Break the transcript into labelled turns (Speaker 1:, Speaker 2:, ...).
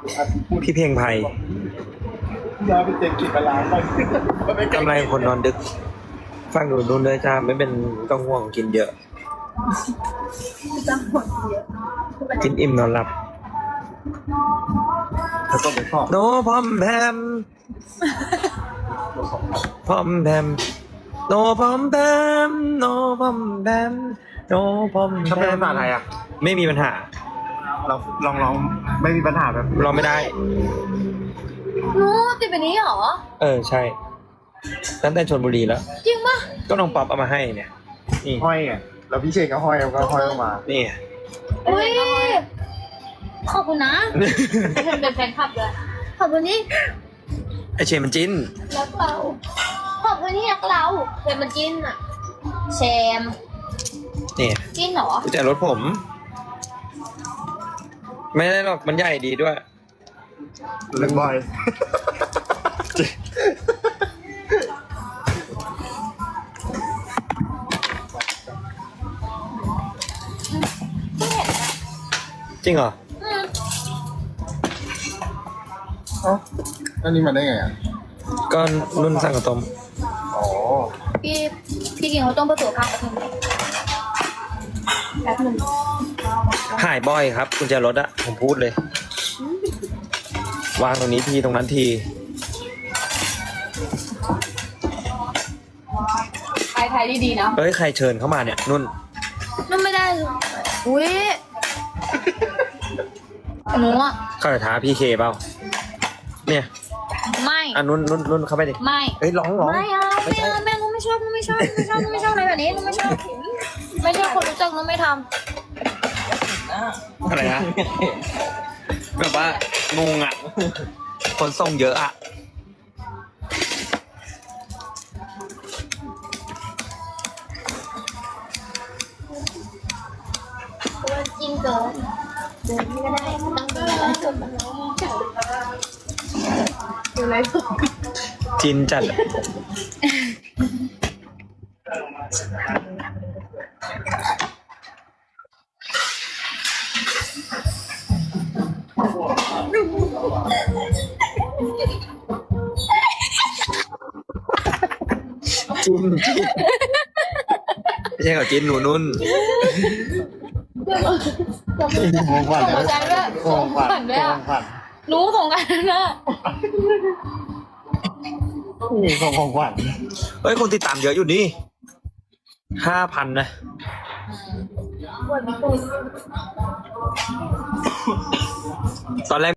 Speaker 1: พี่เพียงไพร
Speaker 2: เราไปเจ็บกินปลาไป
Speaker 1: กำไรคนนอนดึก ฟังดูนู่นเลยจ้าไม่เป็นต้องห่วงกินเยอะ
Speaker 3: จังหวะเยอะ
Speaker 1: กินอิ่มนอนหลับ
Speaker 2: แล้วก็ไปชอบ
Speaker 1: โนพอมแพมพอมแพมโนพอมแพมโนพอมแพมโนพอมแพ
Speaker 2: ถ้าเป็น
Speaker 1: ม
Speaker 2: ภาษาไทยอ่ะ
Speaker 1: ไม่มีปัญหา
Speaker 2: เราลองไม่มีปัญหาแบบ
Speaker 1: เราไม่ได้
Speaker 3: นู้ติดแบบนี้เหรอ
Speaker 1: ใช่ ตั้งแต่ชลบุรีแล้ว
Speaker 3: จริงปะ
Speaker 1: ก็น้องป๊อปเอามาให้เนี่ย นี่
Speaker 2: ห้อยไงแล้วพี่เชนก็ห้อยก็ห้อยออกมา
Speaker 1: นี่
Speaker 3: อุ้ยขอบคุณนะเป็นแฟนคลับเลยขอบคุณนี่
Speaker 1: ไอเชนมันจิ้น
Speaker 3: รักเราขอบคุณที่รักเราเป็นมันจิ้นอะแชม
Speaker 1: นี่
Speaker 3: จิ้นเหรอ
Speaker 1: กุญแจรถผม ไม่ได้หรอกมันใหญ่ดีด้วย
Speaker 2: เล่นบ่อย
Speaker 3: ไม่เห็นอะ
Speaker 1: จริงเหรอ
Speaker 2: เอ้าอันนี้มาได้ไงอ่ะ
Speaker 1: ก็นุ่นสั่งกับต้ม
Speaker 2: อ๋อ
Speaker 3: พี่กินเขาต้องไปตรวจภาพแป๊บนึง
Speaker 1: หายบ่อยครับกุญแจรถอะผมพูดเลย วางตรงนี้ทีตรงนั้นที
Speaker 3: ไทยดีๆนะ
Speaker 1: เอ้ยใครเชิญเข้ามาเนี่ย นุ่น
Speaker 3: มันไม่ได้อุ้ยหนูอะ
Speaker 1: เข้าไปท้าพี่เคเปล่า เนี่ย
Speaker 3: ไม่
Speaker 1: นุ่นเข้าไปดิ
Speaker 3: ไม่
Speaker 1: เอ้ยร้อง
Speaker 3: ไม่เอาไม่เอาแม่กูไม่ชอบกูไม่ชอบกูไม่ชอบกูไม่ชอบอะไรแบบนี้กูไม่ชอบไม่ใช่คนรู้จักกูไม่ท
Speaker 1: อะไรนะ แบบว่างงอะคนส่งเยอะอะ
Speaker 3: ำตัวจริงเกินเดินไม่ได้ต้องเดินจนมันร้องอยู่ไรสุด
Speaker 1: จินจัด จินไม่ใช่กับจินหนูนุ่น
Speaker 2: ของขวัญ
Speaker 3: ส่งใจด้วย
Speaker 2: ของขวัญ
Speaker 3: ส่งด้วย
Speaker 2: ข
Speaker 3: อ่ะ
Speaker 2: องขวัญ
Speaker 3: หนูส่งกันนะ
Speaker 2: นี่ของขวัญ
Speaker 1: เฮ้ย คนติดตามเยอะอยู่นี่5,000นะ ตอนแรก